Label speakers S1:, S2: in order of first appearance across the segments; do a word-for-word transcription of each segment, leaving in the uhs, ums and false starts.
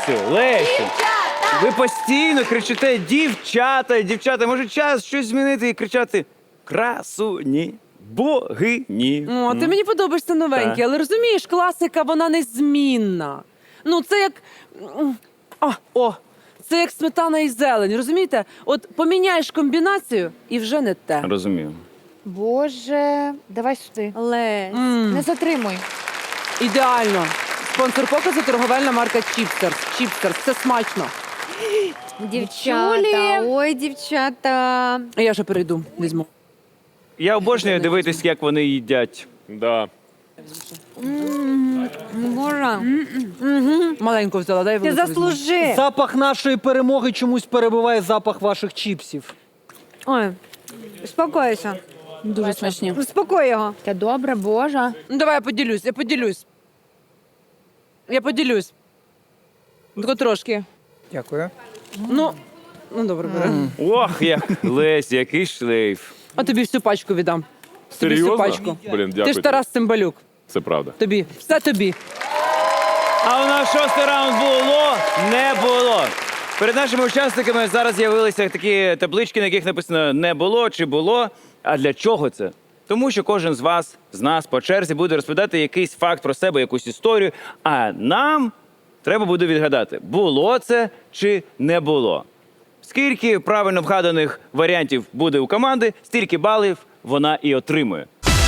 S1: Лесю, Лесю. Ви постійно кричите дівчата, дівчата. Може час щось змінити і кричати красуні, богині.
S2: О, ти мені подобаєшся новенький,
S1: Так.
S2: але розумієш, класика, вона незмінна. Ну, це як. А, о, це як сметана і зелень, розумієте? От поміняєш комбінацію і вже не те.
S1: Розумію.
S3: Боже, давай сюди.
S4: Лесь.
S2: М,
S3: Не затримуй.
S2: ідеально. Спонсор показу торговельна марка Чіпстерс. Чіпстерс, це смачно.
S4: Дівчата,
S3: Чулі.
S4: ой, дівчата.
S2: А я ще перейду, візьму.
S1: Я обожнюю дивитись, як вони їдять.
S5: Да.
S4: Боже,
S2: Маленьку взяла, дай
S4: ти
S2: велику візьму.
S4: заслужи.
S6: Запах нашої перемоги чомусь перебиває запах ваших чіпсів.
S4: Ой, успокойся.
S2: Дуже смачні.
S4: Успокой його.
S3: Та добре, Боже.
S2: Ну, давай я поділюсь, я поділюсь. Я поділюсь. Тільки трошки.
S6: Дякую.
S2: Ну, ну добре, бери.
S1: Ох, як Лесь, який шлейф.
S2: А тобі всю пачку віддам. Тобі всю
S5: Серйозно?
S2: пачку.
S5: Блін,
S2: Ти
S5: дякую.
S2: ж Тарас Цимбалюк.
S5: Це правда.
S2: Тобі. Все тобі.
S1: А у нас шостий раунд було, не було. Перед нашими учасниками зараз з'явилися такі таблички, на яких написано «не було» чи «було». А для чого це? Тому що кожен з вас, з нас по черзі буде розповідати якийсь факт про себе, якусь історію, а нам треба буде відгадати, було це чи не було. Скільки правильно вгаданих варіантів буде у команди, стільки балів вона і отримує.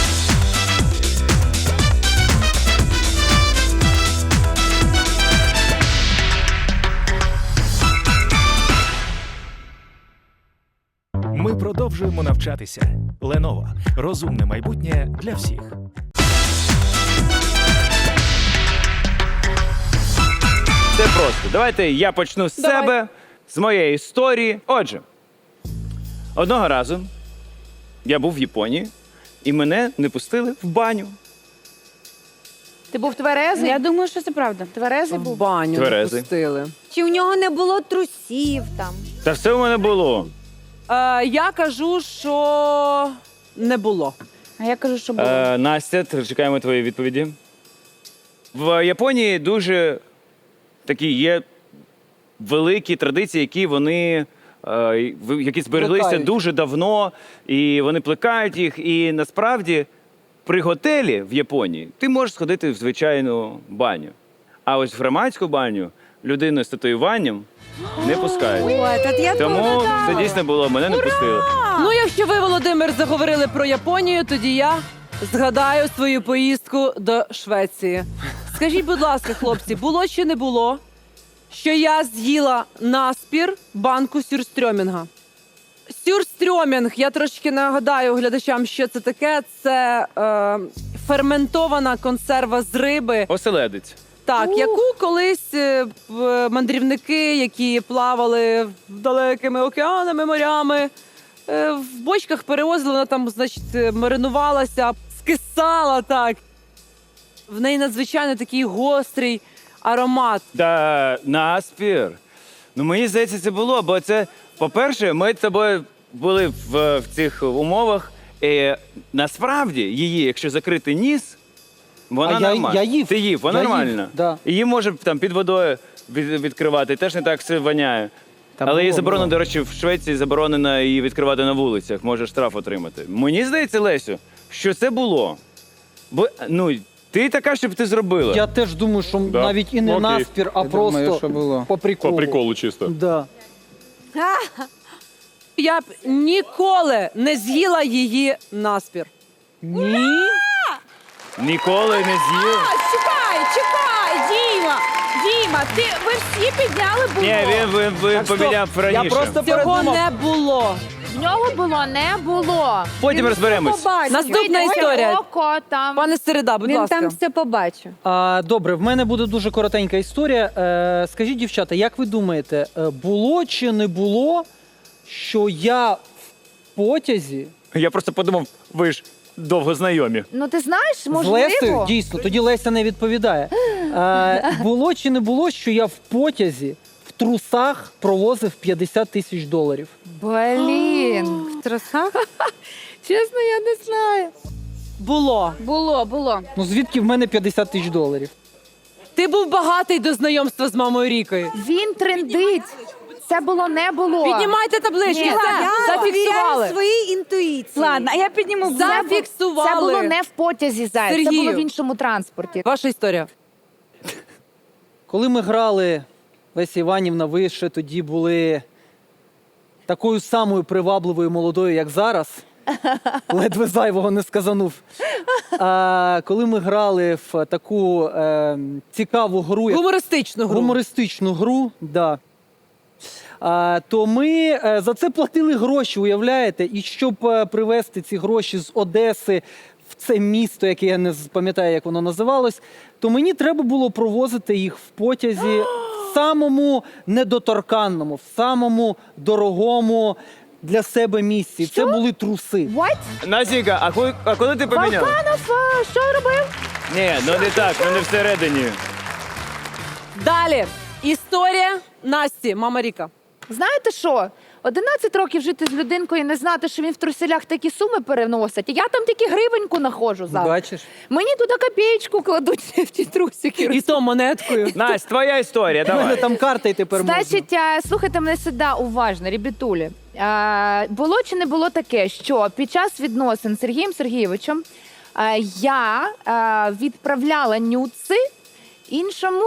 S7: Ми продовжуємо навчатися. Lenovo. Розумне майбутнє для всіх.
S1: Це просто. Давайте я почну з
S2: Давай.
S1: себе, з моєї історії. Отже, одного разу я був в Японії, і мене не пустили в баню.
S3: Ти був тверезий?
S4: Я думаю, що це правда.
S3: Тверезий
S2: В
S3: був?
S2: баню не
S1: Тверезий.
S2: пустили.
S4: Чи у нього не було трусів там?
S1: Та все в мене було.
S2: Е, я кажу, що не було.
S3: А я кажу, що було.
S1: Е, Настя, т- чекаємо твої відповіді. В Японії дуже такі є великі традиції, які вони е, в- які збереглися
S6: Плекають.
S1: дуже давно, і вони плекають їх. І насправді при готелі в Японії ти можеш сходити в звичайну баню. А ось в громадську баню людину з татуюванням не пускають.
S4: Ой, та я
S1: Тому
S4: теж
S1: це дійсно було, мене не пустили.
S2: Ну, якщо ви, Володимир, заговорили про Японію, тоді я згадаю свою поїздку до Швеції. Скажіть, будь ласка, хлопці, було чи не було, що я з'їла наспір банку сюрстрьомінга? Сюрстрьомінг, я трошки нагадаю глядачам, що це таке. Це е, ферментована консерва з риби.
S1: Оселедець.
S2: Так, яку колись е, в- мандрівники, які плавали далекими океанами, морями, е, в бочках перевозили, вона там, значить, е, маринувалася, скисала так. В неї надзвичайно такий гострий аромат.
S1: Та наспір. Ну мені здається, це було, бо це, по-перше, ми з тобою були в, в цих умовах. І насправді її, якщо закрити ніс, вона
S6: А я-
S1: нормальна.
S6: я їв.
S1: Ти їв, вона
S6: Я їв,
S1: нормальна.
S6: да.
S1: Її може там під водою від, відкривати, теж не так все воняє.
S6: Та
S1: Але її
S6: було,
S1: заборонено,
S6: було.
S1: до речі, в Швеції заборонено її відкривати на вулицях, може штраф отримати. Мені здається, Лесю, що це було. Бо, ну, ти така, щоб ти зробила.
S6: Я теж думаю, що
S5: Да.
S6: навіть і не
S5: Окей.
S6: наспір, а
S8: Я
S6: просто
S8: думаю, що було.
S6: по приколу.
S5: По приколу чисто.
S6: Да.
S2: Я б ніколи не з'їла її наспір.
S6: Ні?
S1: Ніколи не з'їв.
S3: Чекай, чекай, Діма! Діма, ти, ви всі підняли було.
S1: Ні, він, він, він
S6: стоп.
S1: поміняв
S6: Я
S1: раніше.
S6: просто
S2: Цього
S6: передумав.
S2: не було.
S3: В нього було, не було.
S1: Потім розберемось.
S2: Наступна
S3: Видно,
S2: історія.
S3: Око там.
S2: Пане Середа, будь
S4: Він
S2: ласка.
S4: там все побачив.
S6: А, добре, в мене буде дуже коротенька історія. Е, скажіть, дівчата, як ви думаєте, е, було чи не було, що я в потязі
S1: Я просто подумав, ви ж довго знайомі.
S3: Ну ти знаєш,
S6: з
S3: можливо.
S6: Лесею, дійсно, тоді Леся не відповідає. Е, було чи не було, що я в потязі в трусах провозив п'ятдесят тисяч доларів?
S3: Блін.
S4: В трусах?
S3: Чесно, я не знаю.
S2: Було.
S3: Було, було.
S6: Ну звідки в мене п'ятдесят тисяч доларів?
S2: Ти був багатий до знайомства з мамою Рікою.
S3: Він трендить. Це було не було.
S2: Піднімайте таблички,
S3: Ні,
S2: все,
S4: Я
S2: зафіксували.
S4: довіряю своїй інтуїції.
S3: Ладно, а я підніму.
S2: Зафіксували.
S3: Це було не в потязі, Зай. Це
S2: Сергію.
S3: було в іншому транспорті.
S2: Ваша історія.
S6: Коли ми грали, Леся Іванівна, ви ще тоді були такою самою привабливою молодою, як зараз. Ледве зайвого не сказанув. А коли ми грали в таку е, цікаву гру, як
S2: Гумористичну гру.
S6: гумористичну гру, да. А, то ми е, за це платили гроші, уявляєте? І щоб е, привезти ці гроші з Одеси в це місто, яке я не з- пам'ятаю, як воно називалось, то мені треба було провозити їх в потязі в самому недоторканному, в самому дорогому для себе місці. Це були труси.
S3: What?
S1: Настенька, а коли, а коли ти поміняв?
S3: Валканов, а, що робив?
S1: Ні, ну не так, ну не всередині.
S2: Далі. Історія Насті, мама Ріка.
S3: Знаєте що? одинадцять років жити з людинкою і не знати, що він в труселях такі суми переносить. Я там тільки гривеньку находжу завжди.
S6: Бачиш?
S3: Мені туди копієчку кладуть в ті трусики.
S2: І то монеткою.
S1: Настя, твоя історія,
S6: У мене
S1: давай.
S6: там карта й тепер можна.
S3: Значить, а, слухайте мене сюди уважно, ребятулі. А, Було чи не було таке, що під час відносин з Сергієм Сергійовичем а, я а, відправляла нюци іншому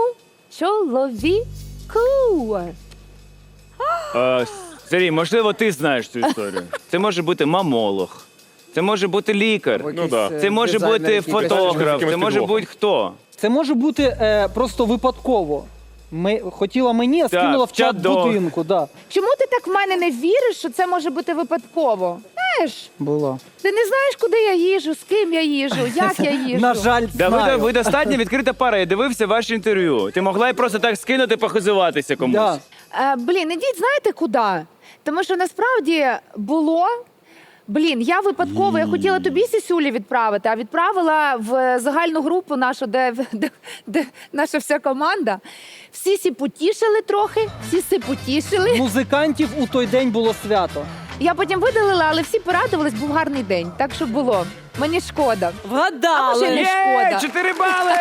S3: чоловіку.
S1: Е, Сергій, можливо, ти знаєш цю історію. Це може бути мамолог, це може бути лікар,
S5: Ну, да.
S1: це може бути фотограф, це може бути хто.
S6: Це може бути е, просто випадково. Ми, хотіла мені, а
S1: Так,
S6: скинула в чат
S1: чат-дог.
S6: будинку. Да.
S3: Чому ти так в мене не віриш, що це може бути випадково? Знаєш,
S6: Було.
S3: ти не знаєш, куди я їжу, з ким я їжу, як я їжу.
S6: На жаль,
S1: Да, ви,
S6: знаю.
S1: ви достатньо відкрита пара, я дивився ваше інтерв'ю. Ти могла й просто так скинути, похизуватися комусь.
S6: Да.
S3: Е, блін, ідіть, знаєте куди? Тому що насправді було. Блін, я випадково, я хотіла тобі сісюлі відправити, а відправила в загальну групу нашу, де, де, де наша вся команда. Всі сі потішили трохи, всі си потішили.
S6: Музикантів у той день було свято.
S3: Я потім видалила, але всі порадувались, був гарний день. Так що було. Мені шкода. А
S2: Вгадали.
S3: може, ні?
S1: Є,
S3: Шкода.
S1: чотири бали!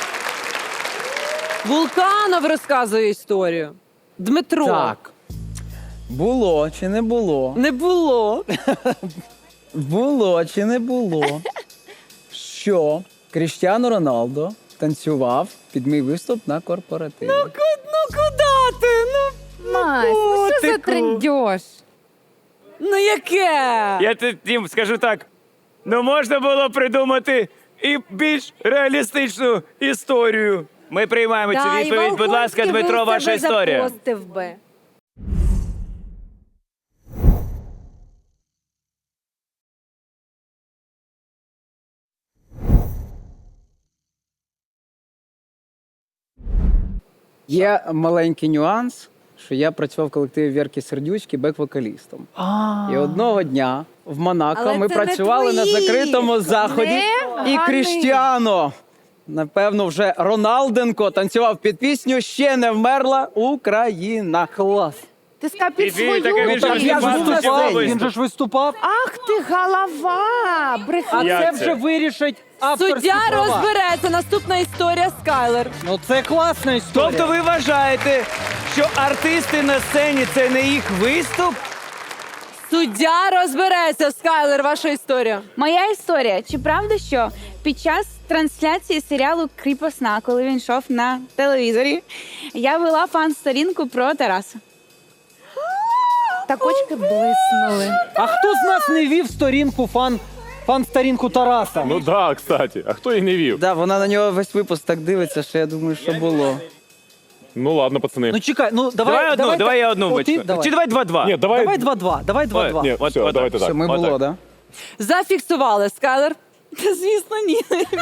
S2: Вулканов розказує історію. Дмитро.
S8: Так. Було чи не було?
S2: Не було.
S8: Було чи не було, що Кріштіану Роналдо танцював під мій виступ на корпоративі.
S2: Ну куди ти? Ну,
S3: Мась, ну що за
S1: котику.
S3: трендьош?
S2: ну яке?
S1: Я ти- Тім, скажу так, ну можна було придумати і більш реалістичну історію. Ми приймаємо цю
S4: Та, і
S1: відповідь. Будь ласка,
S4: Волконський
S1: Дмитро,
S4: би
S1: ваша
S4: себе
S1: історія.
S4: запостив би.
S8: Є маленький нюанс, що я працював в колективі Вірки Сердючки бек-вокалістом. І одного дня в Монако
S4: Але
S8: ми
S4: це не
S8: працювали на
S4: твої.
S8: закритому заході,
S3: Не
S8: і
S3: гани.
S8: Кріштіану, напевно, вже Роналденко танцював під пісню «Ще не вмерла Україна».
S6: Клас.
S3: Ти сказав під
S1: І він
S3: свою
S1: таке, він же
S6: Так,
S1: ж
S6: я ж
S1: виступав,
S6: виступав,
S1: виступ.
S6: він же ж виступав.
S3: Ах ти голова!
S6: А
S3: Брехня.
S1: Як
S6: це
S1: це?
S6: вже вирішить авторські
S2: Суддя
S6: права.
S2: розбереться. Наступна історія Скайлер.
S6: Ну це класна історія.
S1: Тобто ви вважаєте, що артисти на сцені це не їх виступ?
S2: Суддя розбереться. Скайлер, ваша історія.
S9: Моя історія. Чи правда, що під час трансляції серіалу Кріпосна, коли він йшов на телевізорі, я вела фан-сторінку про Тараса?
S3: Так очки блиснули.
S6: А хто з нас не вів сторінку фан, фан-сторінку Тараса?
S5: Ну да, кстати. А хто її не вів?
S8: Да, вона на нього весь випуск так дивиться, що я думаю, що було.
S5: Ну ладно, пацани.
S6: Ну чекай, ну давай.
S1: Давай одну, давай я одну
S6: О, ти-
S1: вичку.
S6: давай.
S1: Чи давай два-два?
S5: Ні, давай.
S6: Давай два-два, давай два-два.
S5: Ні,
S1: От-
S5: все,
S1: от
S5: давайте
S8: Що
S5: так.
S8: ми
S1: Отак.
S8: було, да?
S2: Зафіксували. Скайлер.
S9: Та звісно, ні.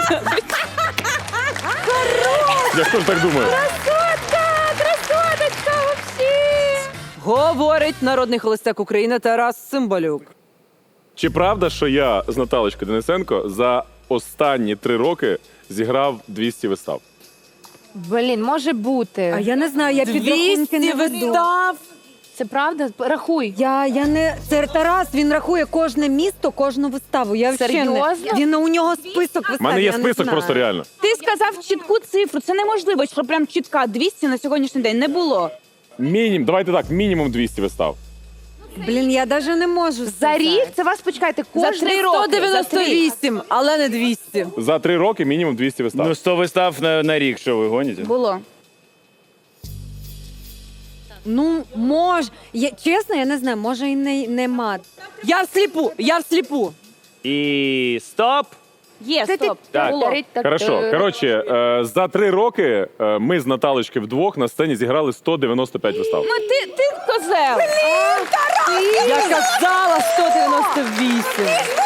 S5: Я ж теж так думаю.
S3: Красоточка вообще!
S2: Говорить народний холостяк України Тарас Цимбалюк.
S5: Чи правда, що я з Наталочкою Денисенко за останні три роки зіграв двісті вистав?
S3: Блін, може бути.
S4: А я не знаю, я підрахунки
S2: двісті
S4: не веду.
S2: вистав.
S3: Це правда? Рахуй.
S4: Я, я не це Тарас. Він рахує кожне місто, кожну виставу. Я взагалі не...
S3: Серйозно?
S4: Він у нього список вистав.
S5: У мене є
S4: я не
S5: список
S4: знаю.
S5: просто реально.
S9: Ти сказав чітку цифру. Це неможливо, що прям чітка двісті на сьогоднішній день не було.
S5: Мінімум, давайте так, мінімум двісті вистав.
S4: Блін, я навіть не можу.
S3: За
S4: сказати.
S3: рік це вас, почекайте, кожні
S9: три роки.
S2: сто дев'яносто вісім, але не двісті.
S5: За три роки мінімум двісті вистав.
S1: Ну, сто вистав на, на рік, що ви гоніте?
S9: Було.
S4: Ну, може. Я, чесно, я не знаю, може і не, нема.
S2: Я всліпу, я всліпу.
S1: І стоп!
S9: Є, стоп.
S1: Так.
S9: Було.
S5: Хорошо. Коротше, е, за три роки е, ми з Наталочки вдвох на сцені зіграли сто дев'яносто п'ять вистав.
S9: Ну ти, ти козел.
S2: Я казала сто дев'яносто вісім.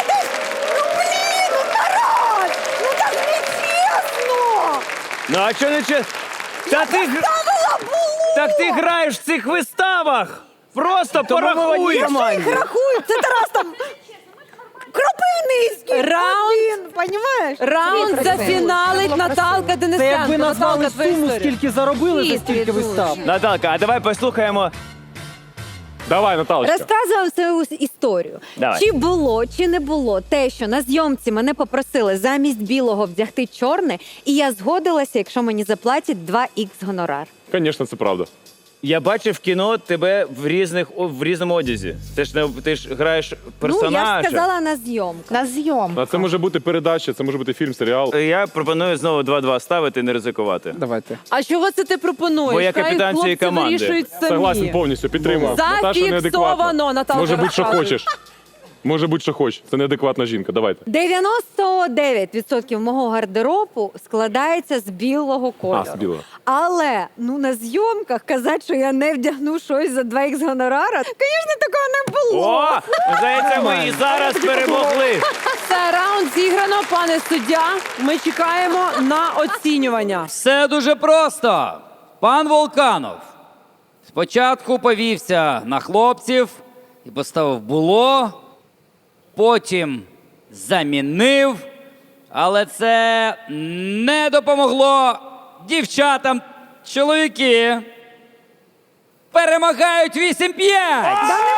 S1: Ну а що не чи... Та ти... гр- Так ти граєш в цих виставах! Просто порахуй!
S4: Рахую, це Тарас там Кропивницький.
S2: Раунд,
S4: Понімаєш?
S2: раунд зафіналить Наталка
S6: Це
S2: Денисенко.
S6: якби назвали
S2: Наталка, твоя
S6: суму,
S2: історія.
S6: скільки заробили за
S4: Світ
S6: стільки
S4: відуть.
S6: вистав.
S1: Наталка, а давай послухаємо.
S5: Давай, Наталочка.
S4: Розказую свою історію.
S1: Давай.
S4: Чи було, чи не було те, що на зйомці мене попросили замість білого вдягти чорне, і я згодилася, якщо мені заплатять два ікс гонорар.
S5: Звісно, це правда.
S1: Я бачив в кіно тебе в різних о, в різному одязі. Ти ж не ти ж граєш персонажа.
S4: Ну, я ж сказала на зйомках.
S3: На зйом.
S5: А це може бути передача, це може бути фільм, серіал.
S1: Я пропоную знову два-два ставити і не ризикувати.
S8: Давайте.
S2: А чого це ти пропонуєш?
S1: Бо я
S2: Хай
S1: капітан
S2: хлопці
S1: цієї команди.
S2: вирішують самі.
S5: Согласен повністю, підтримую. Наташа
S2: Зафіксовано,
S5: неадекватна.
S2: Наталка
S5: Може бути, що
S2: розказує.
S5: хочеш. Може бути, що хочеш. Це неадекватна жінка. Давайте.
S4: дев'яносто дев'ять відсотків мого гардеробу складається з білого кольору.
S5: А, з білого.
S4: Але ну на зйомках казати, що я не вдягну щось за два ікс гонорара, звісно, такого не було.
S1: О! Здається, ми і зараз перемогли.
S2: Це раунд зіграно, пане суддя. Ми чекаємо на оцінювання.
S10: Все дуже просто. Пан Волканов спочатку повівся на хлопців і поставив було, потім замінив, але це не допомогло дівчатам. Чоловіки перемагають вісім п'ять.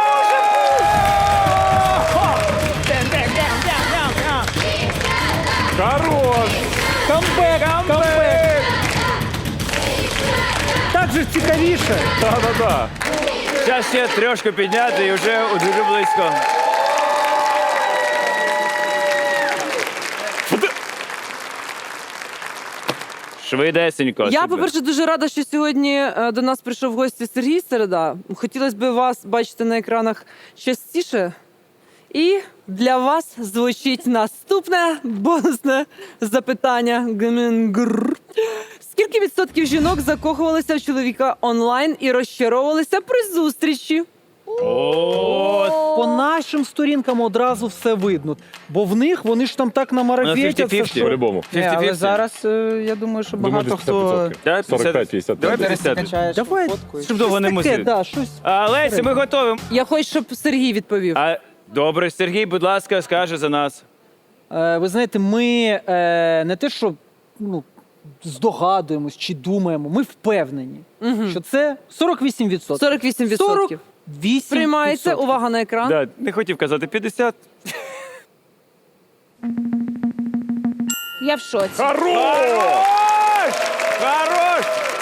S5: Хорош!
S6: Камбек, камбек. Так же цікавіше.
S5: Да-да-да.
S1: Зараз ще трошки підняти і вже дуже близько. Швидесенько.
S2: Я,
S1: супер.
S2: по-перше, дуже рада, що сьогодні е, до нас прийшов в гості Сергій Середа. Хотілося б вас бачити на екранах частіше. І для вас звучить наступне бонусне запитання. Гмінгр. Скільки відсотків жінок закохувалися в чоловіка онлайн і розчаровувалися при зустрічі?
S1: О,
S6: По нашим сторінкам одразу все видно. Бо в них вони ж там так намарафетяться,
S1: п'ятдесят-п'ятдесят.
S6: що...
S5: По-любому.
S8: Ні, але
S1: п'ятдесят-п'ятдесят.
S8: зараз е, я думаю, що
S5: Думаю,
S8: багато
S5: десь
S8: хто
S5: п'ятдесят відсотків.
S1: Да,
S5: сорок п'ять п'ятдесят.
S1: Давай
S8: Ти
S1: п'ятдесят.
S8: качаєш
S6: Давай.
S8: фоткою.
S1: Щоб довго не
S6: Таке,
S1: мусити.
S6: да, щось.
S1: А, Лесі, ми готові.
S2: Я хочу, щоб Сергій відповів.
S1: А, добре, Сергій, будь ласка, скаже за нас.
S6: Е, ви знаєте, ми е, не те, що ну, здогадуємось чи думаємо, ми впевнені, що це сорок вісім відсотків.
S2: сорок вісім відсотків.
S6: сорок вісім
S2: Приймається.
S6: відсотків.
S2: Увага на екран.
S1: Да, не хотів казати п'ятдесят.
S9: Я в шоці.
S1: Хорош! Хорош!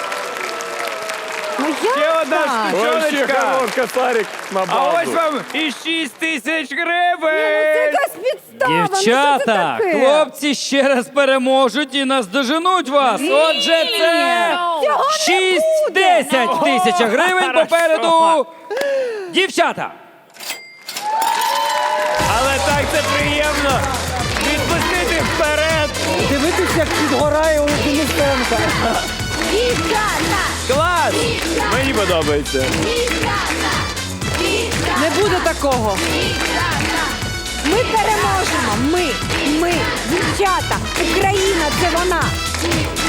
S3: Ну
S1: Ще
S3: як
S1: одна
S3: так?
S5: Вообще
S1: штучоночка.
S5: хорош, косарик на
S1: А
S5: базу.
S1: ось вам і шість тисяч
S4: Це
S1: гривень!
S4: якась підстава. Ну, що це
S10: Дівчата,
S4: таке?
S10: хлопці ще раз переможуть і наздоженуть вас. Отже, це шість-десять тисяч гривень попереду. Дівчата,
S1: Але так це приємно! Відпустити вперед!
S6: Дивитись, як підгорає у Денисенка.
S1: Клас! Мені подобається.
S2: Не буде такого.
S4: Ми переможемо. Ми, ми, дівчата, Україна, це вона.